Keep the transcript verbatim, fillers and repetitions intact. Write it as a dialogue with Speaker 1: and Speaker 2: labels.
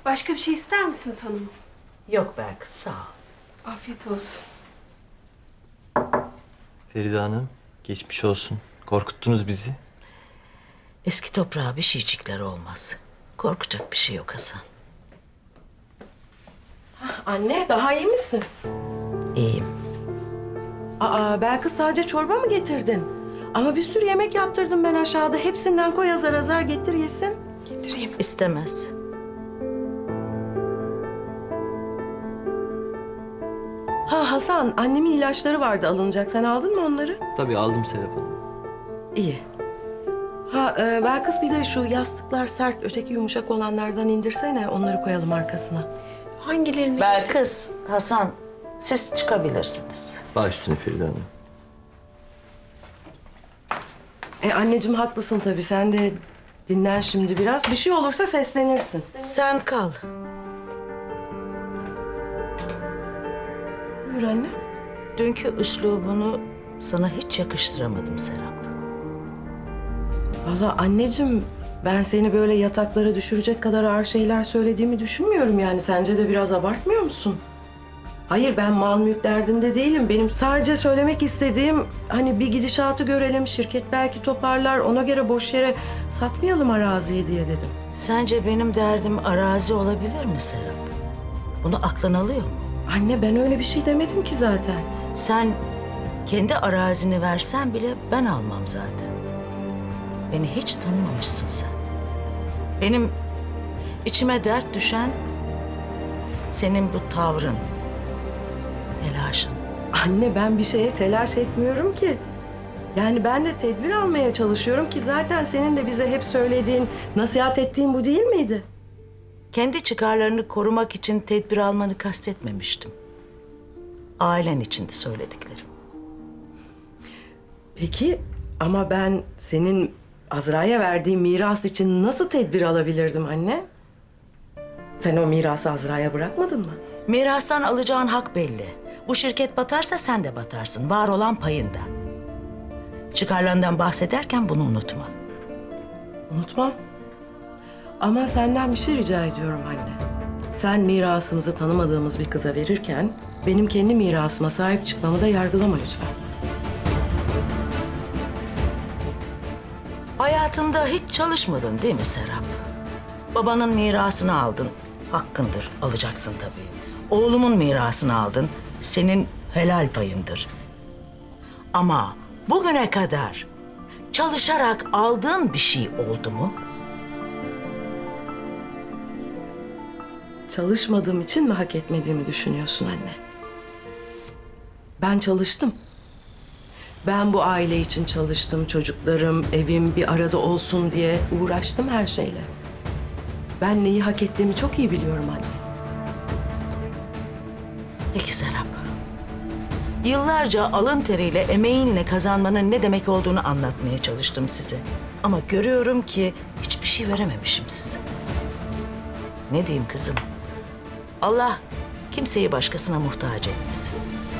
Speaker 1: Başka bir şey ister misiniz hanımım?
Speaker 2: Yok Belkıs, sağ ol.
Speaker 1: Afiyet olsun.
Speaker 3: Feride Hanım, geçmiş olsun. Korkuttunuz bizi.
Speaker 2: Eski toprağa bir şeycikler olmaz. Korkacak bir şey yok Hasan.
Speaker 4: Anne, daha iyi misin?
Speaker 2: İyiyim.
Speaker 4: Aa, Belkıs sadece çorba mı getirdin? Ama bir sürü yemek yaptırdım ben aşağıda. Hepsinden koy azar azar getir yesin.
Speaker 1: Getireyim.
Speaker 2: İstemez.
Speaker 4: Ha Hasan, annemin ilaçları vardı alınacak. Sen aldın mı onları?
Speaker 3: Tabii aldım Serap Hanım.
Speaker 4: İyi. Ha e, Belkıs bir de şu yastıklar sert, öteki yumuşak olanlardan indirsene. Onları koyalım arkasına.
Speaker 1: Hangilerini?
Speaker 2: Belkıs, Hasan, siz çıkabilirsiniz.
Speaker 3: Baş üstüne Feride Hanım.
Speaker 4: E anneciğim haklısın tabii. Sen de dinlen şimdi biraz. Bir şey olursa seslenirsin.
Speaker 2: Sen kal.
Speaker 4: Buyur anne.
Speaker 2: Dünkü üslubunu sana hiç yakıştıramadım Serap.
Speaker 4: Vallahi anneciğim ben seni böyle yataklara düşürecek kadar ağır şeyler söylediğimi düşünmüyorum yani. Sence de biraz abartmıyor musun? Hayır ben mal mülk derdinde değilim. Benim sadece söylemek istediğim hani bir gidişatı görelim. Şirket belki toparlar. Ona göre boş yere satmayalım araziyi diye dedim.
Speaker 2: Sence benim derdim arazi olabilir mi Serap? Bunu aklın alıyor mu?
Speaker 4: Anne ben öyle bir şey demedim ki zaten.
Speaker 2: Sen kendi arazini versen bile ben almam zaten. Beni hiç tanımamışsın sen. Benim içime dert düşen senin bu tavrın, telaşın.
Speaker 4: Anne ben bir şeye telaş etmiyorum ki. Yani ben de tedbir almaya çalışıyorum ki zaten senin de bize hep söylediğin, nasihat ettiğin bu değil miydi?
Speaker 2: Kendi çıkarlarını korumak için tedbir almanı kastetmemiştim. Ailen içindi söylediklerim.
Speaker 4: Peki ama ben senin Azra'ya verdiğin miras için nasıl tedbir alabilirdim anne? Sen o mirası Azra'ya bırakmadın mı?
Speaker 2: Mirastan alacağın hak belli. Bu şirket batarsa sen de batarsın. Var olan payında. Çıkarlarından bahsederken bunu unutma.
Speaker 4: Unutmam. Ama senden bir şey rica ediyorum anne. Sen mirasımızı tanımadığımız bir kıza verirken benim kendi mirasıma sahip çıkmamı da yargılama lütfen.
Speaker 2: Hayatında hiç çalışmadın değil mi Serap? Babanın mirasını aldın. Hakkındır, alacaksın tabii. Oğlumun mirasını aldın. Senin helal payındır. Ama bugüne kadar çalışarak aldığın bir şey oldu mu?
Speaker 4: Çalışmadığım için mi hak etmediğimi düşünüyorsun anne? Ben çalıştım. Ben bu aile için çalıştım. Çocuklarım, evim bir arada olsun diye uğraştım her şeyle. Ben neyi hak ettiğimi çok iyi biliyorum anne.
Speaker 2: Peki Serap. Yıllarca alın teriyle, emeğinle kazanmanın ne demek olduğunu anlatmaya çalıştım size. Ama görüyorum ki hiçbir şey verememişim size. Ne diyeyim kızım? Allah kimseyi başkasına muhtaç etmesin.